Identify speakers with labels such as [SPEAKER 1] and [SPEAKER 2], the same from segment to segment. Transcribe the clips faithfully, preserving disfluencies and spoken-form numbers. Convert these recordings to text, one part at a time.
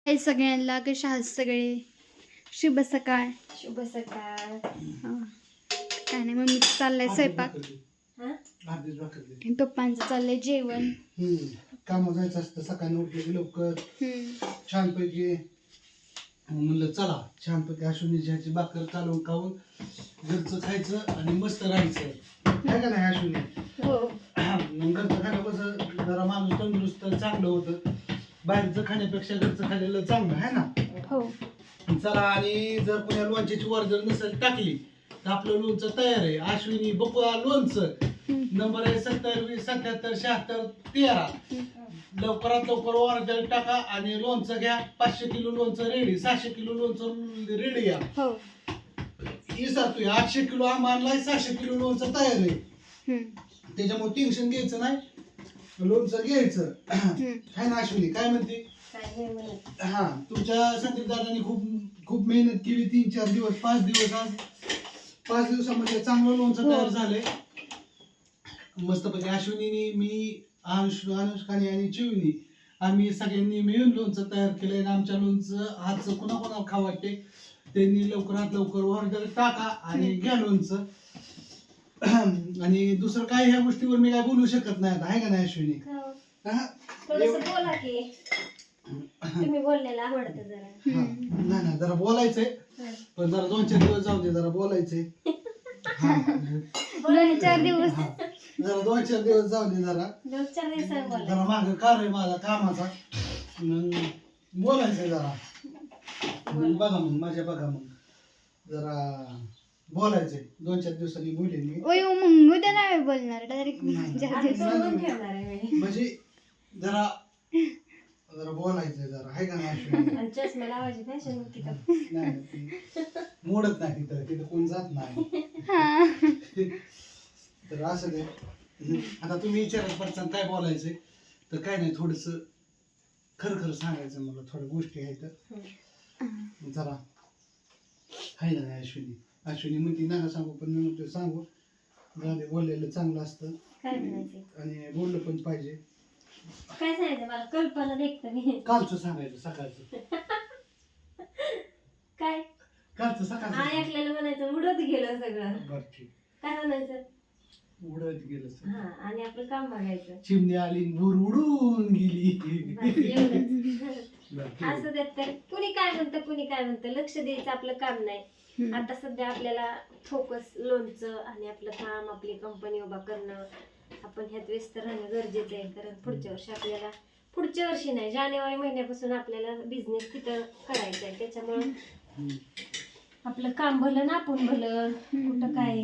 [SPEAKER 1] हे सगळ्यांना कशा आहात सगळे. शुभ सकाळ.
[SPEAKER 2] शुभ सकाळ.
[SPEAKER 1] हा. काय नाही मम्मी चाललंय स्वयंपाक. पप्पांचं चाललंय जेवण.
[SPEAKER 3] काम जायचं असतं सकाळी उठले लवकर छानपैकी म्हणलं चला छानपैकी अश्विनीची भाकर चालवून खाऊन घरचं खायचं आणि मस्त राहायचं काय का नाही अश्विनी.
[SPEAKER 1] हो
[SPEAKER 3] मग घरचं खाणं कसं जरा माणूस तंदुरुस्त चांगलं होतं. बाहेरचं खाण्यापेक्षा घरचं खाल्लेलं चांगलं आहे ना.
[SPEAKER 1] हो
[SPEAKER 3] चला आणि जर कोणा लोणच्याची वर जर नसेल टाकली तर आपलं लोणचं तयार आहे. अश्विनी बकुळा लोणचं नंबर आहे सत्तर वीस सत्याहत्तर शहात्तर तेरा. लवकरात लवकर ऑर्डर टाका आणि लोणचं घ्या. पाचशे किलो लोणचं रेडी, सहाशे किलो लोणचं रेडी घ्या.
[SPEAKER 1] हो
[SPEAKER 3] विचारतोय आठशे किलो आंबा आणलाय, सहाशे किलो लोणचं तयार आहे. त्याच्यामुळे टेन्शन घ्यायचं नाही, लोणचं घ्यायचं. काय ना अश्विनी काय म्हणते. हा तुमच्या संदीप दादांनी खूप खूप मेहनत केली. तीन चार दिवस पाच दिवस आज पाच दिवसामध्ये चांगलं लोणचं तयार झालंय मस्तपैकी. अश्विनीने मी अनुष अनुष्काने आणि चिवनी आम्ही सगळ्यांनी मिळून लोणचं तयार केलंय. आमच्या लोणचं हातचं कुणा कोणाला खाऊ वाटते त्यांनी लवकरात लवकर ऑर्डर टाका आणि घ्या लोणचं. आणि दुसरं काय ह्या गोष्टीवर मी काय बोलू शकत नाही आता आहे का नाही अश्विनी.
[SPEAKER 2] बोला की तुम्ही बोललेलं आवडतं जरा.
[SPEAKER 3] नाही नाही जरा बोलायचंय पण जरा दोन चार दिवस जाऊ दे जरा बोलायचंय.
[SPEAKER 1] दोन चार दिवस
[SPEAKER 3] जरा दोन चार दिवस जाऊ दे जरा
[SPEAKER 2] दोन चार दिवसांनी बोला.
[SPEAKER 3] जरा माग कार आहे माझा कामाचा मग बोलायचंय जरा. मग बघा मग माझ्या बघा मग जरा बोलायचंय दोन चार दिवसांनी बोलेन मी.
[SPEAKER 1] ओय मग उद्या नाही बोलणार डायरेक्ट.
[SPEAKER 3] म्हणजे जरा जरा बोलायचंय जरा आहे का नाही.
[SPEAKER 2] चष्मा लावायची फॅशन होती का.
[SPEAKER 3] नाही मोडत नाही तिथं तिथं कोण जात नाही. तर असं दे आता तुम्ही विचारत पडसान काय बोलायचंय तर काय नाही थोडस खरं खरं सांगायचं मला. थोड्या गोष्टी आहेत जरा आहे ना अश्विनी. अश्विनी म्हणती नका सांगू पण मी म्हणतो सांगू. झाले बोललेलं चांगलं असतं आणि बोललं पण पाहिजे.
[SPEAKER 2] काय सांगायचं मला कल्पना देखत मी.
[SPEAKER 3] कालचं सांगायचं सकाळचं.
[SPEAKER 2] काय
[SPEAKER 3] कालचं सकाळचं
[SPEAKER 2] ऐकलेलं म्हणायचं उडत गेलं सगळं.
[SPEAKER 3] बरं ठीक
[SPEAKER 2] काय म्हणायचं
[SPEAKER 3] उडत गेलं
[SPEAKER 2] हा आणि आपलं काम बघायचं.
[SPEAKER 3] चिमणी आली भूर उडून गेली.
[SPEAKER 2] असं देत तर कुणी काय म्हणतं कुणी काय म्हणतं लक्ष द्यायचं आपलं काम नाही. आता सध्या आपल्याला फोकस लोणचं आणि आपलं काम आपली कंपनी उभा करणं आपण ह्यात व्यस्त राहणं गरजेचं आहे. कारण पुढच्या वर्षी आपल्याला पुढच्या वर्षी नाही जानेवारी महिन्यापासून आपल्याला बिझनेस तिथं करायचा आहे. त्याच्यामुळं आपलं काम भलं ना आपण भलं कुठं काय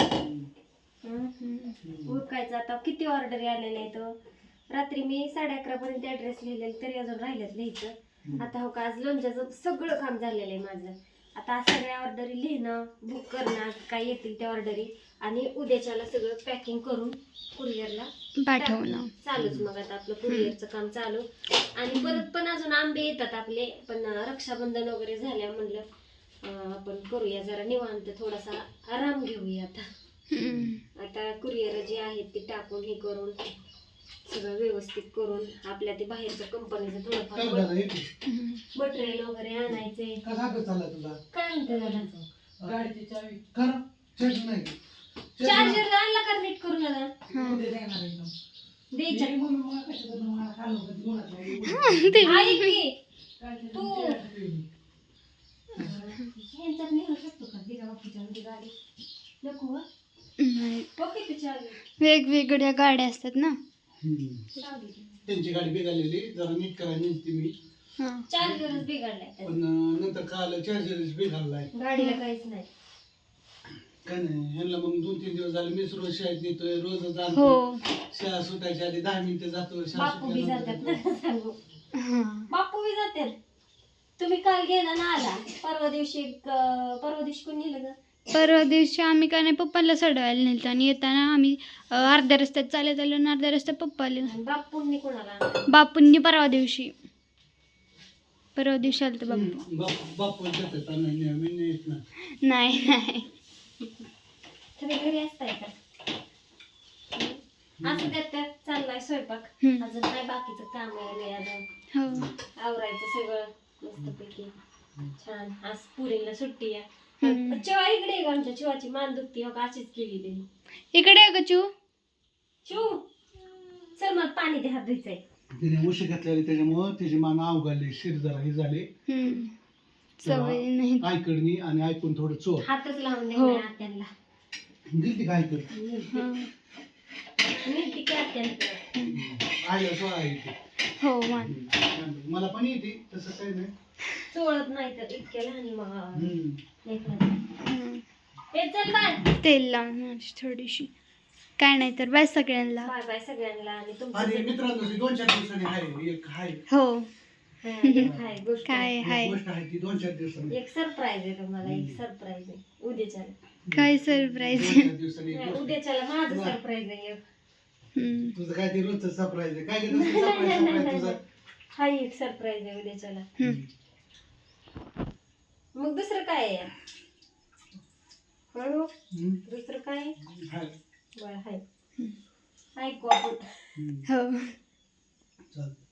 [SPEAKER 2] उरकायचं. आता किती ऑर्डर आलेल्या आहेत. रात्री मी साडे अकरा पर्यंत ऍड्रेस लिहिलेला तरी अजून राहिलेत लिहायचं. आता हो का आज लोणच्याचं सगळं काम झालेलं आहे माझं. आता सगळ्या ऑर्डरी लिहिणं बुक करणं काय येतील त्या ऑर्डरी आणि उद्याच्याला सगळं पॅकिंग करून कुरिअरला
[SPEAKER 1] पाठवणं
[SPEAKER 2] चालूच. मग आता आपलं कुरिअरचं काम चालू आणि परत पण अजून आंबे येतात आपले. पण रक्षाबंधन वगैरे झाल्या म्हणलं आपण करूया जरा निवांत थोडासा आराम घेऊया. आता आता कुरिअर जे आहेत ते टाकून हे करून सगळं व्यवस्थित करून आपल्या ते बाहेरच्या कंपनीचं थोडंफार मटेरियल वगैरे आणायचे. काय म्हणते दादा
[SPEAKER 3] गाडीची चावी कर नाही
[SPEAKER 2] चार्जर आणला का नीट करून दादा द्यायच्या तू ह्यांच्यात नेऊ शकतो का दिगा बापूच्या गाडी नको
[SPEAKER 1] वेगवेगळ्या गाड्या असतात ना.
[SPEAKER 3] त्यांची गाडी बिघडलेली जरा नीट करायला नसती मी.
[SPEAKER 2] चार्जरच बिघडलाय
[SPEAKER 3] पण नंतर काल चार्जरच बिघडलाय.
[SPEAKER 2] गाडीला काहीच नाही
[SPEAKER 3] काय नाही ह्यांना मग दोन तीन दिवस झाले मी रोज शाळेत नेतोय रोज जातो.
[SPEAKER 1] हो
[SPEAKER 3] शाळा सुटायच्या आधी दहा मिनिटं जातो.
[SPEAKER 2] बापू बी जातात सांगू बापू बी जातात. तुम्ही काल गेला ना आला परवा दिवशी परवा दिवशी कोण नेलं ग.
[SPEAKER 1] परवा दिवशी आम्ही काय नाही पप्पाला सोडवायला नेलं आणि येताना आम्ही अर्ध्या रस्त्यात चालत आलो आणि अर्ध्या रस्त्यात पप्पा आले.
[SPEAKER 2] बापूंनी कोणाला
[SPEAKER 1] बापूंनी परवा दिवशी परवा दिवशी आलं तर बापू
[SPEAKER 3] बापू
[SPEAKER 1] नाही नाही
[SPEAKER 2] तुम्ही घरी असताय का. असं त्यात चाललाय स्वयंपाक अजून काय बाकीचं काम आहे अजून आवरायचं सगळं मस्तपैकी छान. आज पुरीला सुट्टी आहे.
[SPEAKER 1] हम्म.
[SPEAKER 2] चिवा इकडे आहे का? आमच्या चिवाची मान दुखती हो का अशीच केलेली.
[SPEAKER 1] इकडे आहे का चू?
[SPEAKER 2] चिव चल मग पाणी दे, हात धुयचंय.
[SPEAKER 3] तिने उशी घातलेली त्याच्यामुळं तिची मान अवघडली, शिर जरा ही झाली.
[SPEAKER 1] हम्म. सवय नाही.
[SPEAKER 3] ऐकडणी आणि ऐकून थोडं चोर
[SPEAKER 2] हातच लावून दे
[SPEAKER 1] हो.
[SPEAKER 2] ना आत्यांना.
[SPEAKER 3] दिली काय ऐकड
[SPEAKER 1] हा.
[SPEAKER 2] नीट की आत्यांना.
[SPEAKER 3] आईला सोळा येते.
[SPEAKER 1] हो मान.
[SPEAKER 3] मला पण येते तसं काही नाही.
[SPEAKER 2] चोळत नाही तर इतक्या लहान मग
[SPEAKER 3] हम्म.
[SPEAKER 2] लेकराचं.
[SPEAKER 1] हम्म.
[SPEAKER 2] हे चल बाय.
[SPEAKER 1] तेल लावून माझी थोडीशी. काय नाही तर बाय सगळ्यांना.
[SPEAKER 2] बाय बाय सगळ्यांना. आणि
[SPEAKER 3] आणि
[SPEAKER 2] तुमचं
[SPEAKER 3] मित्रांनो ती दोन चार दिवसांनी आहे एक आहे
[SPEAKER 1] हो.
[SPEAKER 2] हा, एक हाय गोष्ट.
[SPEAKER 1] काय
[SPEAKER 3] एक
[SPEAKER 1] हाय?
[SPEAKER 3] गोष्ट आहे ती दोन चार दिवसांनी
[SPEAKER 2] एक सरप्राईज आहे तुम्हाला. एक सरप्राईज आहे उद्याच्याला.
[SPEAKER 1] काय सरप्राईज?
[SPEAKER 3] दोन चार दिवसांनी एक
[SPEAKER 2] नाही,
[SPEAKER 3] गोष्ट.
[SPEAKER 2] उद्याच्याला माझं सरप्राईज आहे एक.
[SPEAKER 1] हम्म.
[SPEAKER 3] तुझं काय ते रोजचं सरप्राईज आहे काय घेतो सरप्राईज सरप्राईज तुझं.
[SPEAKER 2] हा एक सरप्राईज आहे उद्याच्याला.
[SPEAKER 1] हम्म.
[SPEAKER 2] मग दुसरं काय आहे? हळू.
[SPEAKER 3] हम्म.
[SPEAKER 2] दुसरं काय आहे?
[SPEAKER 3] हाय.
[SPEAKER 2] बरं हाय. ऐकू आपण.
[SPEAKER 3] हम्म.
[SPEAKER 1] हो.
[SPEAKER 3] चालतं.